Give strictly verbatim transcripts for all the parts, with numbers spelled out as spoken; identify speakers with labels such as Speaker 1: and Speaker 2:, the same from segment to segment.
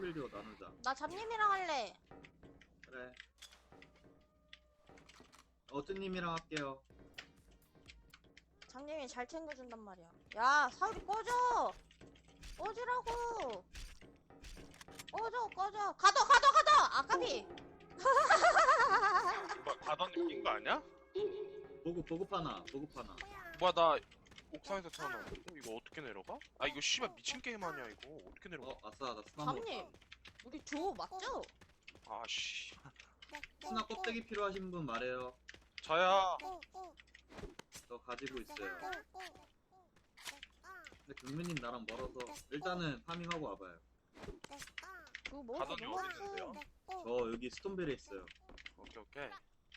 Speaker 1: 빌디오 나누자.
Speaker 2: 나 잡님이랑 할래.
Speaker 1: 그래. 어쭈님이랑 할게요.
Speaker 2: 잡님이 잘 챙겨준단 말이야. 야, 사우리 꺼져! 꺼지라고! 꺼져, 꺼져! 가둬, 가둬, 가둬! 아까비!
Speaker 3: 뭐 가던님 낀거 아니야?
Speaker 1: 보급, 보급 하나, 보급 하나.
Speaker 3: 뭐야 나 옥상에서 태어나. 어, 이거 어떻게 내려가? 아 이거 씨발 미친 게임 아니야 이거 어떻게 내려가?
Speaker 1: 어, 아싸, 나 스나 먹었다.
Speaker 2: 잡님, 우리 듀오 맞죠?
Speaker 3: 아씨
Speaker 1: 스나 껍데기 필요하신 분 말해요.
Speaker 3: 저야.
Speaker 1: 저 가지고 있어요. 근데 경민님 나랑 멀어서 일단은 파밍하고 와봐요.
Speaker 2: 듀오 뭐
Speaker 3: 가던님 어디 있는데요?
Speaker 1: 저 여기 스톤벨에 있어요.
Speaker 3: 오케이 오케이.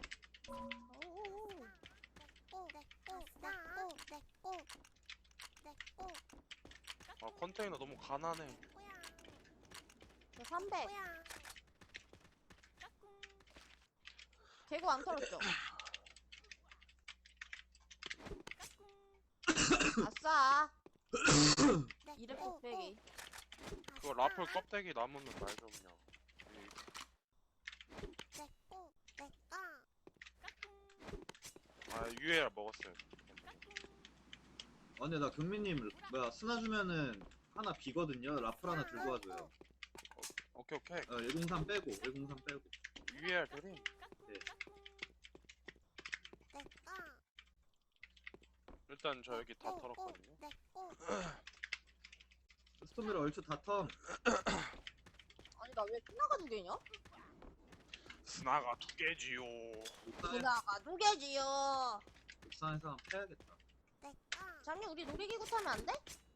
Speaker 3: 아 컨테이너 너무 가난해.
Speaker 2: 저 삼백. 개구 안 털었죠? 아싸! 이랩 곱빼기.
Speaker 3: 그거 라플 껍데기 남으면 말 좀 그냥. 아 유에알 먹었어요.
Speaker 1: 아 근데 나 경민님 뭐야 스나 주면은 하나 비거든요. 라플 하나 들고 와줘요.
Speaker 3: 오케이 오케이.
Speaker 1: 어, 일공삼 빼고 일공삼 빼고.
Speaker 3: 유에알 드림. 일단 저 여기 다 털었거든요.
Speaker 1: 스톤벨 얼추 다 텀.
Speaker 2: 아니, 나 왜 피나가 두 개냐?
Speaker 3: 스나가 두 개지요.
Speaker 1: 옥상에,
Speaker 2: 피나가 두 개지요.
Speaker 1: 옥상에서 한번 패야겠다.
Speaker 2: 잡님, 우리 놀이기구 타면 안 돼?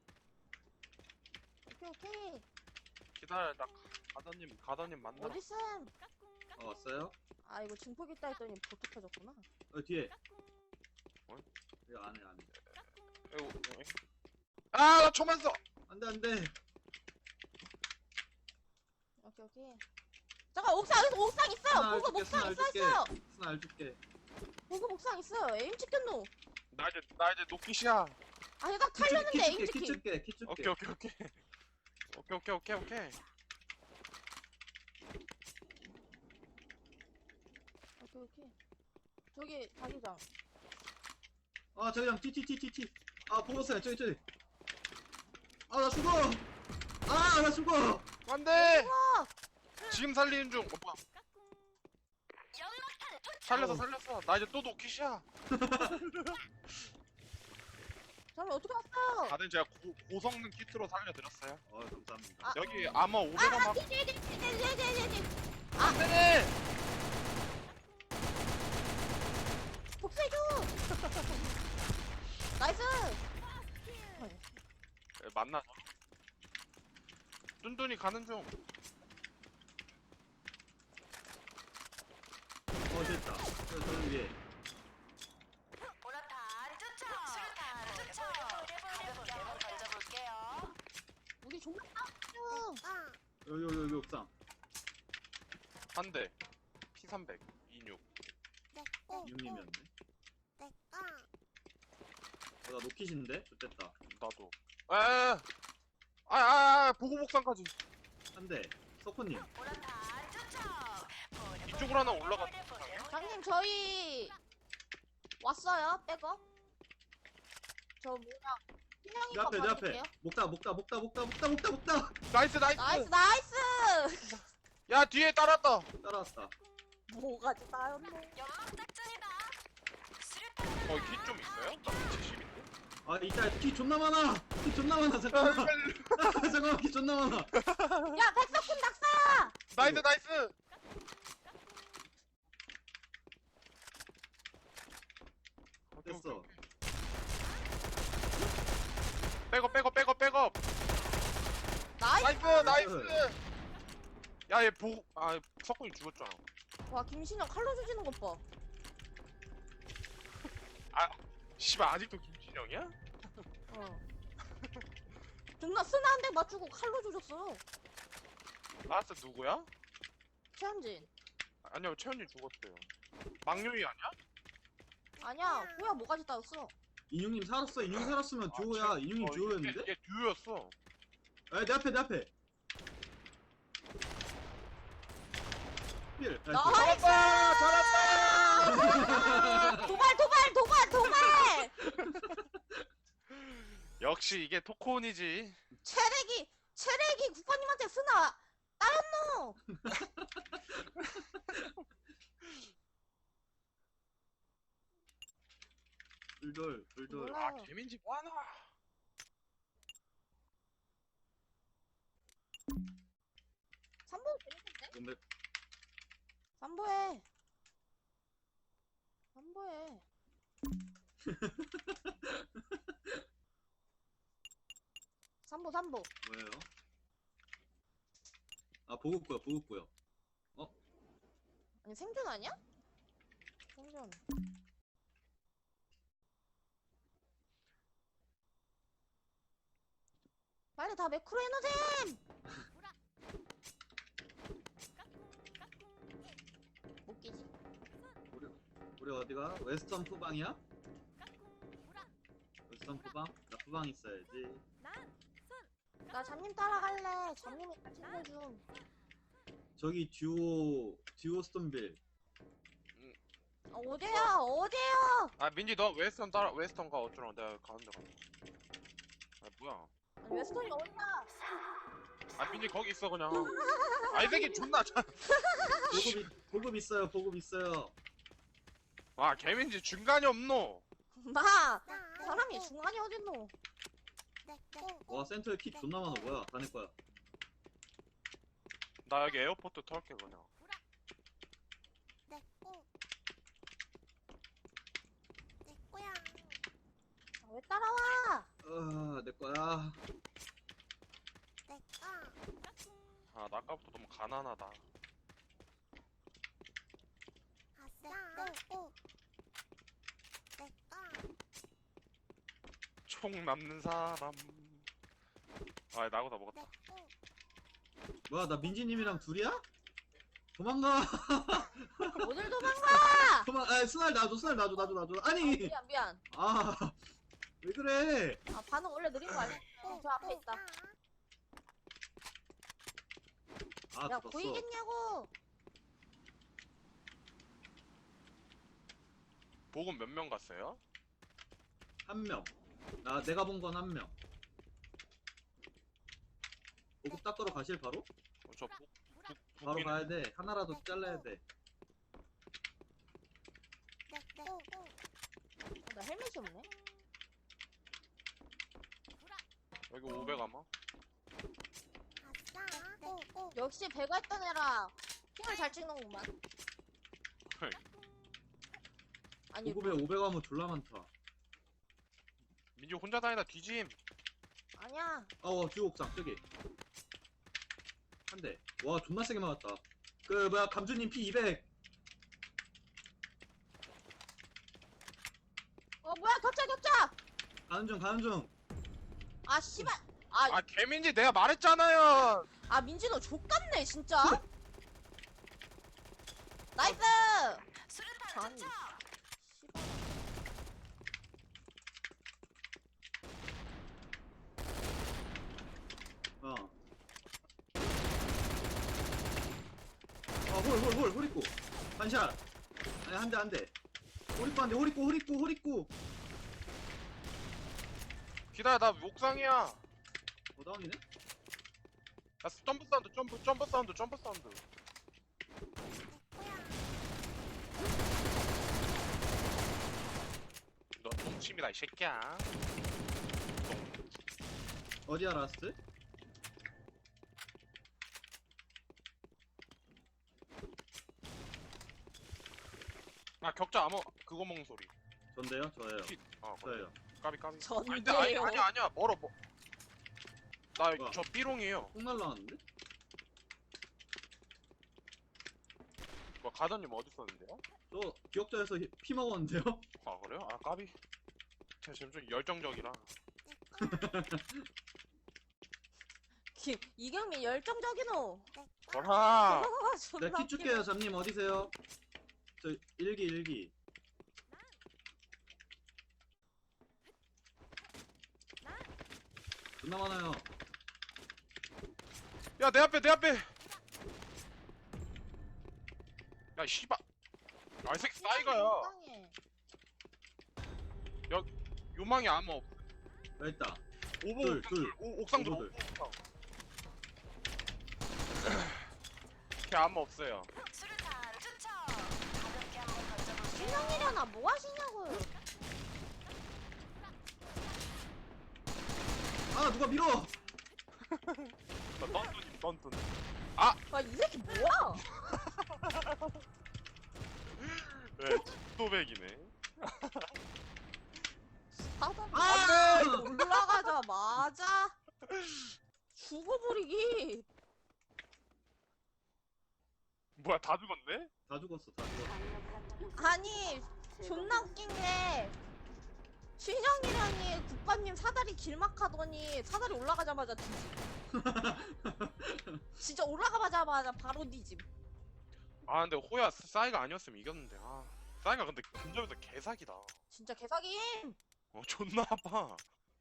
Speaker 2: 오케이, 오케이.
Speaker 3: 기다려 나 가더님 가더님 만나.
Speaker 2: 어딨음?
Speaker 1: 어 왔어요?
Speaker 2: 아, 이거 증폭 있다 했더니 보트 켜졌구나.
Speaker 1: 어 뒤에.
Speaker 3: 어?
Speaker 1: 여기 안에 안에.
Speaker 3: 아나 초만 써.
Speaker 1: 안돼 안돼.
Speaker 2: 오케이, 오케이. 잠깐, 옥상, 여기 옥상 있어요!
Speaker 1: 스나
Speaker 2: 보급
Speaker 1: 알줄게
Speaker 2: 옥상
Speaker 1: 스나
Speaker 2: 있어,
Speaker 1: 알줄게.
Speaker 2: 있어요!
Speaker 1: 스나 알줄게.
Speaker 2: 보급 옥상 있어요. 에임 찍혔노.
Speaker 3: 나 이제 나 이제 노키시야.
Speaker 2: 아, 얘가 탈렸는데 에임
Speaker 1: 키
Speaker 2: 찍힘.
Speaker 1: 줄게 키 줄게.
Speaker 3: 오케이 오케이 오케이. 오케이 오케이 오케이 오케이.
Speaker 2: 오케이, 오케이. 저기, 자기장.
Speaker 1: 아 저기랑 티티티티티. 아 보고서요 저기 저기. 아 나 죽어. 아 나 죽어.
Speaker 3: 안돼.
Speaker 2: 우와!
Speaker 3: 지금 살리는 중. 오빠. 살렸어 살렸어. 나 이제 또 노키시야.
Speaker 2: 잠깐, 어떻게 왔어요?
Speaker 3: 다들 제가 고, 고성능 키트로 살려드렸어요.
Speaker 1: 어 감사합니다.
Speaker 2: 아.
Speaker 3: 여기 아마
Speaker 2: 아,
Speaker 3: 오베가마.
Speaker 2: 아, 뒤에, 뒤에, 뒤에, 뒤에, 뒤에, 뒤에, 뒤에.
Speaker 3: 안돼.
Speaker 2: 복수해줘! 나이스!
Speaker 3: 만나서. 뚠뚠이 가는 중.
Speaker 1: 어 됐다. 저 저기 위에.
Speaker 2: 우리 정말 아
Speaker 1: 여기 여기 여기 옥상.
Speaker 3: 한 대. 피 삼백. 이십육.
Speaker 1: 육님이었네. 어나 노킷인데? 좋됐다.
Speaker 3: 나도. 에에. 아아 보고 복상까지.
Speaker 1: 한 대. 서코님.
Speaker 3: 이쪽으로 하나 올라가.
Speaker 2: 장님, 저희 왔어요, 백업. 저 뭐야,
Speaker 1: 내
Speaker 2: 희명이가
Speaker 1: 앞에 내 앞에.
Speaker 2: 받을게요.
Speaker 1: 목다 목다 목다 목다 목다 목다 목다.
Speaker 3: 나이스 나이스.
Speaker 2: 나이스, 나이스!
Speaker 3: 야 뒤에 따랐다.
Speaker 1: 따라왔다.
Speaker 2: 뭐가지 나였노?
Speaker 3: 어, 키 좀 있어요? 나 칠십인데?
Speaker 1: 아 이따 키 존나 많아. 키 존나 많아 잠깐만. 잠깐만 키 존나 많아.
Speaker 2: 야, 백석훈 낙사야!
Speaker 3: 나이스, 나이스!
Speaker 1: 됐어.
Speaker 3: 백업, 백업, 백업, 백업!
Speaker 2: 나이스!
Speaker 3: 나이스, 나이스! 야, 얘 보, 아, 석훈이 죽었잖아.
Speaker 2: 와, 김신영 칼로 조지는 것 봐.
Speaker 3: 씨발, 아직도 김진영이야?
Speaker 2: 어. 존나 쓰나 한 대 맞추고 칼로 조졌어.
Speaker 3: 라스 누구야?
Speaker 2: 최현진.
Speaker 3: 아니요, 채연이 죽었대요. 망요이 아니야?
Speaker 2: 아니야, 호야 뭐가지 따였어.
Speaker 1: 인육님 살았어. 인육 살았으면 듀오야. 인육님
Speaker 3: 어,
Speaker 1: 듀오였는데?
Speaker 3: 얘, 얘 듀오였어.
Speaker 1: 아 내 앞에 내 앞에. 필. 나이스.
Speaker 2: 나이스!
Speaker 3: 잘한다!
Speaker 2: 도발 도발 도발 도발!
Speaker 3: 역시 이게 토콘이지.
Speaker 2: 체력이 체력이 국가님한테 쓰나 따였노.
Speaker 1: 둘둘 둘둘.
Speaker 2: 몰라.
Speaker 3: 아 개민지 뭐하나?
Speaker 2: 삼보 재밌는데?
Speaker 1: 근데
Speaker 2: 삼보해. 삼보해. 삼보 삼보.
Speaker 1: 뭐예요? 아 보급고요 보급고요.
Speaker 2: 아니 생존 아니야? 생존. 빨리 다 매크로 해놓으셈! 못 끼지.
Speaker 1: 우리 우리 어디가? 웨스턴 푸방이야? 웨스턴 푸방? 나 푸방 있어야지.
Speaker 2: 나 잡님 따라갈래. 잡님이 다 챙겨줌.
Speaker 1: 저기 듀오 듀오 스톤빌.
Speaker 2: 아, 어디야? 어디야?
Speaker 3: 아 민지 너 웨스턴 따라 웨스턴 가 어쩌라고 내가 가는 데 가. 아 뭐야?
Speaker 2: 아니, 웨스턴이 어디야?
Speaker 3: 아 민지 거기 있어 그냥. 아 이 새끼 존나. 잘-
Speaker 1: 보급 이- 보급 있어요 보급 있어요.
Speaker 3: 아 개민지 중간이 없노.
Speaker 2: 마! 사람이 중간이 어딨노?
Speaker 1: 와 센터에 키 존나 많아. 뭐야 다 내 거야.
Speaker 3: 나 여기 에어포트 털게 그냥.
Speaker 2: 아, 왜 따라와?
Speaker 1: 아내 거야.
Speaker 3: 아 나 아까부터 너무 가난하다. 총 남는 사람. 아 나보다 먹었다.
Speaker 1: 뭐야 나 민지님이랑 둘이야? 도망가.
Speaker 2: 어딜 도망가!
Speaker 1: 도망. 아 스날 놔줘 스날 놔줘 놔줘 놔줘.
Speaker 2: 아,
Speaker 1: 아니.
Speaker 2: 미안 미안.
Speaker 1: 아 왜 그래?
Speaker 2: 아 반응 원래 느린 거 아니야? 어, 저 앞에 있다.
Speaker 1: 아
Speaker 2: 야
Speaker 1: 죽었어.
Speaker 2: 보이겠냐고?
Speaker 3: 보금 몇 명 갔어요?
Speaker 1: 한 명. 나 내가 본 건 한 명. 보급 닦으러 가실 바로?
Speaker 3: 어, 저 보, 보,
Speaker 1: 바로
Speaker 3: 보기는
Speaker 1: 가야 돼. 하나라도 잘라야 돼.
Speaker 2: 어, 나 헬멧이 없네.
Speaker 3: 여기 오백 아마?
Speaker 2: 역시 배가 있던 애라 힘을 잘 찍는구만. 아니
Speaker 1: 보급에 오백 하면 졸라 많다.
Speaker 3: 민지 혼자 다니다 뒤짐.
Speaker 2: 아니야.
Speaker 1: 어, 주옥상 저기. 한 대. 와, 존나 세게 맞았다. 그 뭐야, 감주님 피 이백.
Speaker 2: 어 뭐야 겹쳐 겹쳐.
Speaker 1: 가는 중, 가는 중.
Speaker 2: 아 씨발. 아,
Speaker 3: 아 개민지 내가 말했잖아요.
Speaker 2: 아 민지 너 족같네 진짜. 나이스. 아니. 씨발.
Speaker 1: 어. 아, 홀, 홀, 홀, 홀 있고. 반샷. 아니, 한 대, 한 대. 홀 있고, 한 대, 홀 있고, 홀 있고, 홀 있고.
Speaker 3: 기다려 나 옥상이야.
Speaker 1: 어, 다운이네?
Speaker 3: 나 점프 사운드 점프 점프 사운드 점프 사운드. 너 동침이다 이 새끼야.
Speaker 1: 어디야, 라스트?
Speaker 3: 아 격자 암호 그거 먹는 소리.
Speaker 1: 전데요? 저예요.
Speaker 3: 피- 아 그래.
Speaker 1: 저예요.
Speaker 3: 까비 까비.
Speaker 2: 전데요.
Speaker 3: 아니, 아니 아니야 아니야 멀어 뭐.
Speaker 1: 뭐야?
Speaker 3: 나 저 삐롱이에요.
Speaker 1: 폭 날라왔는데?
Speaker 3: 뭐 가더님 어디 있었는데요?
Speaker 1: 저 기억자에서 피 먹었는데요?
Speaker 3: 아 그래요? 아 까비. 제가 지금 좀 열정적이라.
Speaker 2: 기- 이경민 열정적이노.
Speaker 3: 거라.
Speaker 2: 존나
Speaker 1: 내가 키
Speaker 2: 웃기네.
Speaker 1: 줄게요, 잠님 어디세요? 저 일기 일기. 존나 많아요.
Speaker 3: 야 내 앞에 내 앞에. 야 씨발. 아 이 새끼 싸이가야.
Speaker 2: 이상해.
Speaker 3: 요망이 아무 없.
Speaker 1: 여기 있다.
Speaker 3: 오버
Speaker 1: 둘,
Speaker 3: 옥상
Speaker 1: 둘.
Speaker 3: 둘. 오, 옥상 둘.
Speaker 1: 오버들.
Speaker 3: 옥상. 걔 아무 없어요.
Speaker 4: 수류탄 투척. 가볍게 한번 던져볼게요.
Speaker 2: 신형이려나 뭐 하시냐고요.
Speaker 1: 아 누가 밀어.
Speaker 3: 나 던ጡ님 던ጡ님.
Speaker 2: 아, 이 새끼 뭐야?
Speaker 3: 네, 도백이네.
Speaker 2: 사단
Speaker 1: 아!
Speaker 2: 올라가자마자 죽어버리기.
Speaker 3: 뭐야 다 죽었네?
Speaker 1: 다 죽었어 다 죽었어.
Speaker 2: 아니 존나 웃긴 게 신영이랑이 국밥님 사다리 길막하더니 사다리 올라가자마자 뒤짐. 진짜 올라가자마자 바로 뒤짐.
Speaker 3: 아 근데 호야 싸이가 아니었으면 이겼는데. 아 싸이가 근데 근접에서 개사기다.
Speaker 2: 진짜 개사김.
Speaker 3: 어 존나 아파.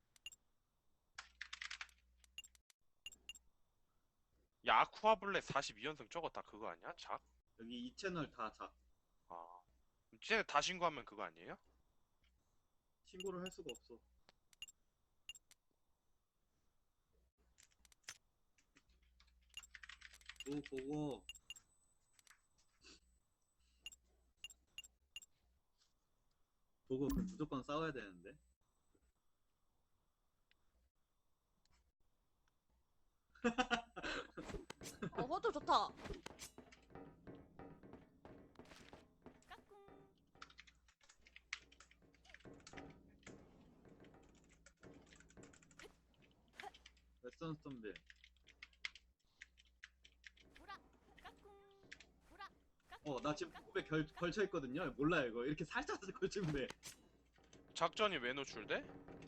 Speaker 3: 야 아쿠아블랙 사십이 연승 저거 다 그거 아니야? 작?
Speaker 1: 여기 이 채널 다 자.
Speaker 3: 아 쟤네 다 신고하면 그거 아니에요?
Speaker 1: 신고를 할 수가 없어. 오 보고. 보고 그럼 무조건 싸워야 되는데.
Speaker 2: 어 호도 좋다.
Speaker 1: 웨스턴 스톤빌. 어 나 지금 보급에 결, 걸쳐 있거든요. 몰라요 이거 이렇게 살짝 걸치면 돼.
Speaker 3: 작전이 왜 노출돼?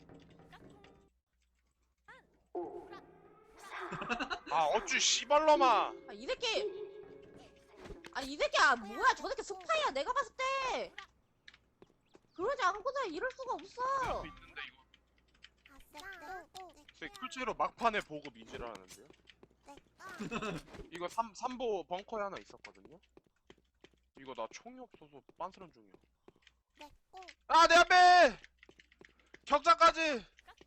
Speaker 3: 아 어쭈 씨발놈아.
Speaker 2: 아, 이 새끼. 아, 이 새끼야 뭐야? 저 새끼 스파이야. 내가 봤을 때. 그러지 않고서 이럴 수가 없어.
Speaker 3: 수 있는데 이거 실제로 막판에 보급 이지를 하는데요? 이거 삼, 삼보 벙커에 하나 있었거든요? 이거 나 총이 없어서 빤스런 중이야. 아 내 앞에! 격자까지!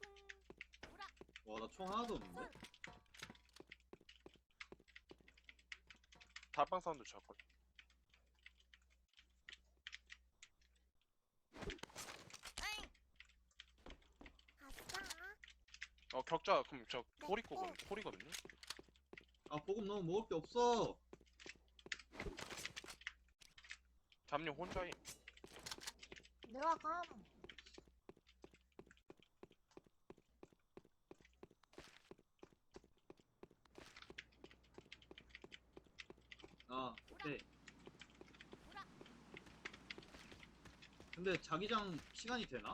Speaker 1: 와 나 총 하나도 없는데.
Speaker 3: 달빵 사운드 잡걸. 어 격자 그럼 저 호리거든 호리거든요?
Speaker 1: 아 보급 너무 먹을 게 없어.
Speaker 3: 잠님 혼자임.
Speaker 2: 내가 감.
Speaker 1: 아 오케이. 근데 자기장 시간이 되나?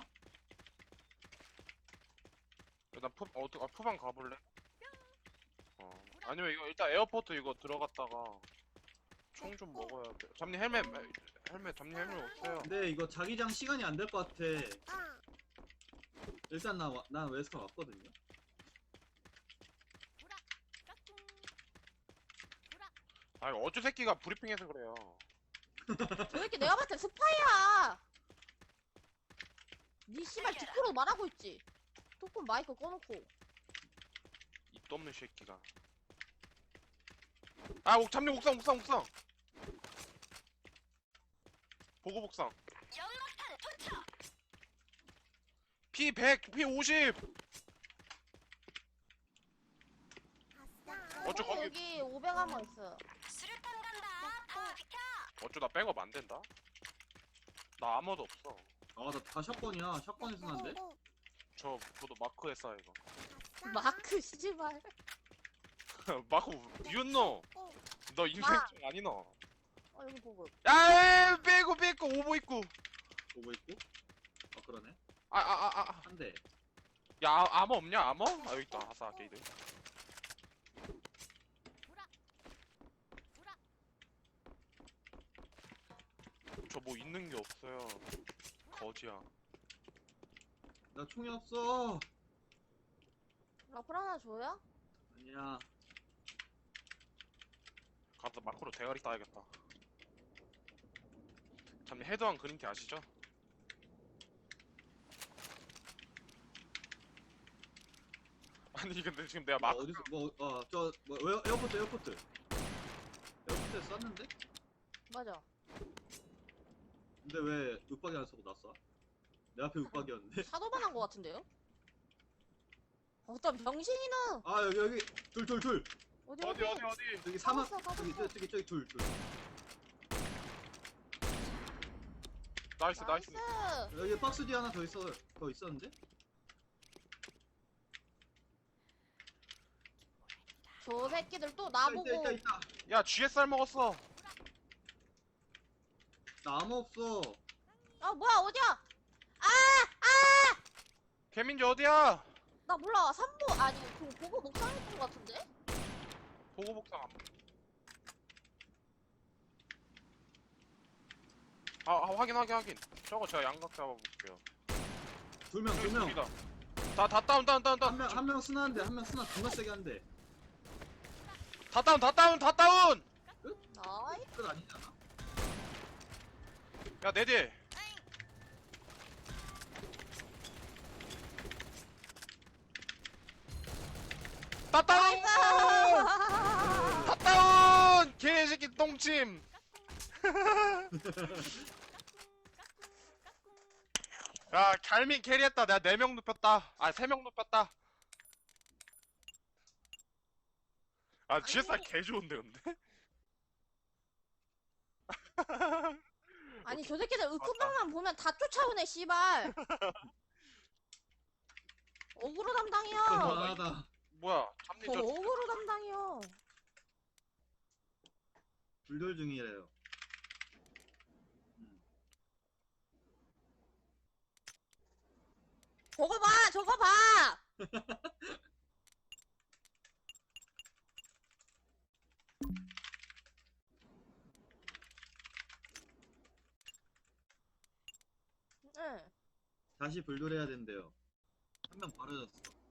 Speaker 3: 일단 푸, 어, 아, 푸방 가볼래? 어. 아니면 이거 일단 에어포트 이거 들어갔다가 총 좀 먹어야 돼. 잠님 헬멧 헬멧 잠님 헬멧 없어요.
Speaker 1: 근데 이거 자기장 시간이 안 될 것 같아. 일단 나, 와- 난 웨스턴 왔거든요.
Speaker 3: 아니 어쭈 새끼가 브리핑해서 그래요.
Speaker 2: 저 새끼 내가 봤을 때 스파이야. 니 씨발 뒷으로 말하고 있지. 조금 마이크 꺼놓고.
Speaker 3: 입도 없는 새끼가. 아 옥, 잠님 옥상 옥상 옥상. 보고 복상.
Speaker 4: 연막탄 투척.
Speaker 3: 피 백, 피 오십. 어쩌 거기
Speaker 2: 여기 오백 한번 있어요.
Speaker 4: 수류탄 간다. 다 비켜.
Speaker 3: 어쩌 나 백업 안 된다. 나 아무도 없어.
Speaker 1: 아 나 다 샷건이야. 샷건이 순한데?
Speaker 3: 저 저도 마크에 쌓여 이거.
Speaker 2: 마크 씨발.
Speaker 3: 마크 비웃노. 너 인생증 아니너.
Speaker 2: 어 여기 보고.
Speaker 3: 야 빼고 빼고 오버 있고.
Speaker 1: 보고 있고? 아 그러네.
Speaker 3: 아 아 아 아.
Speaker 1: 한 대.
Speaker 3: 야 아, 아머 없냐 아머? 아 여기 있다 아싸 게이드. 저 뭐 있는 게 없어요. 거지야.
Speaker 1: 나 총이 없어.
Speaker 2: 라플 하나 줘요?
Speaker 1: 아니야.
Speaker 3: 가서 마크로 대가리 따야겠다. 잠깐 헤드왕 그림티 아시죠? 아니 근데 지금 내가
Speaker 1: 뭐
Speaker 3: 막
Speaker 1: 어디서 뭐어저뭐 에어포트 에어포트 에어포트에 쐈는데?
Speaker 2: 맞아.
Speaker 1: 근데 왜 윽박이 안 쏘고 났어? 내 앞에 윽박이었는데?
Speaker 2: 사도반한 거 같은데요? 어떤 병신이는
Speaker 1: 아 여기 여기 둘 둘 둘
Speaker 2: 어디
Speaker 3: 어디 어디 어디
Speaker 1: 여기 사막
Speaker 2: 가봤어, 가봤어.
Speaker 1: 저기 저기 저기 저기 둘 둘
Speaker 3: 나이스 나이스
Speaker 2: 나이스.
Speaker 1: 여기 박스 뒤에 하나 더 있어 더 있었는데?
Speaker 2: 저 새끼들 또
Speaker 1: 있다
Speaker 2: 나보고
Speaker 1: 있다 있다
Speaker 3: 야 지에스알 먹었어
Speaker 1: 나무 없어
Speaker 2: 아 뭐야 어디야?
Speaker 3: 개민지 어디야?
Speaker 2: 나 몰라. 삼보 아니 그 보고 목상했던 거 같은데?
Speaker 3: 보고 복상 안 아, 아 확인 확인 확인 저거 제가 양각 잡아볼게요
Speaker 1: 두명
Speaker 3: 저기
Speaker 1: 두명
Speaker 3: 저기다 다, 다 다운 다운 다운 다운
Speaker 1: 한 명 한 명 쓰나는데 한 명 쓰나 존나 세게 한대
Speaker 3: 다 다운 다 다운 다 다운
Speaker 2: 나이
Speaker 1: 끝 아니잖아
Speaker 3: 야 내 뒤에 다 다운 다 다운 개새끼 똥침 야 갈민 캐리했다 내가 네 명 눕혔다 아 세 명 눕혔다 아 지에스알
Speaker 2: 아니.
Speaker 3: 개 좋은데 근데
Speaker 2: 아니 저 새끼들 으크방만 보면 다 쫓아오네 씨발. 어그로 담당이야.
Speaker 1: 그만하다
Speaker 3: 뭐야 잡니
Speaker 2: 저
Speaker 3: 저
Speaker 2: 어그로 담당이요.
Speaker 1: 불돌 중이래요 음.
Speaker 2: 저거 봐 저거 봐. 응.
Speaker 1: 다시 불돌해야 된대요 한 명 버려졌어